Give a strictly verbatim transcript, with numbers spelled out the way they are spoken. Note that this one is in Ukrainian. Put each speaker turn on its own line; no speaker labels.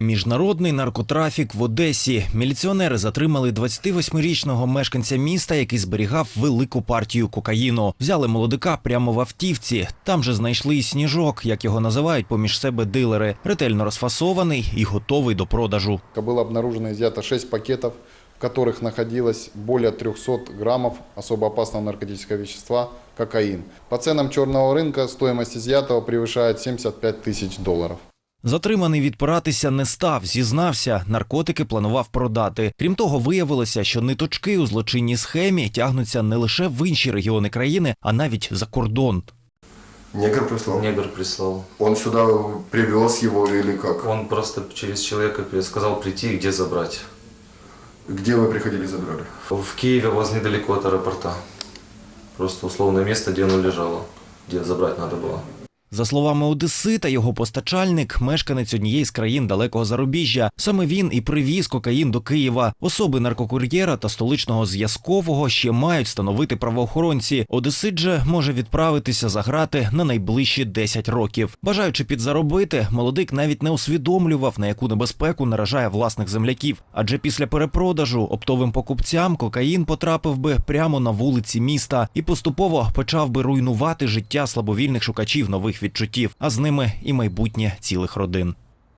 Міжнародний наркотрафік в Одесі. Міліціонери затримали двадцятивосьмирічного мешканця міста, який зберігав велику партію кокаїну. Взяли молодика прямо в автівці. Там же знайшли і сніжок, як його називають поміж себе дилери. Ретельно розфасований і готовий до продажу.
Было обнаружено и изъято шесть пакетов, в которых находилось более трёхсот граммов особо опасного наркотического вещества – кокаин. По ценам черного рынка стоимость изъятого превышает семьдесят пять тысяч долларов.
Затриманий відпиратися не став, зізнався, наркотики планував продати. Крім того, виявилося, що ниточки у злочинній схемі тягнуться не лише в інші регіони країни, а навіть за кордон.
Негр прислал?
Негр прислал.
Он сюда привез его или как?
Он просто через человека сказал прийти и где забрать.
Где вы приходили и забрали?
В Киеве, возле недалеко от аэропорта. Просто условное место, где оно лежало, где забрать надо было.
За словами одесита, його постачальник – мешканець однієї з країн далекого зарубіжжя. Саме він і привіз кокаїн до Києва. Особи наркокур'єра та столичного зв'язкового ще мають встановити правоохоронці. Одесит же може відправитися за грати на найближчі десять років. Бажаючи підзаробити, молодик навіть не усвідомлював, на яку небезпеку наражає власних земляків. Адже після перепродажу оптовим покупцям кокаїн потрапив би прямо на вулиці міста і поступово почав би руйнувати життя слабовільних шукачів нових відчуттів, а з ними і майбутнє цілих родин.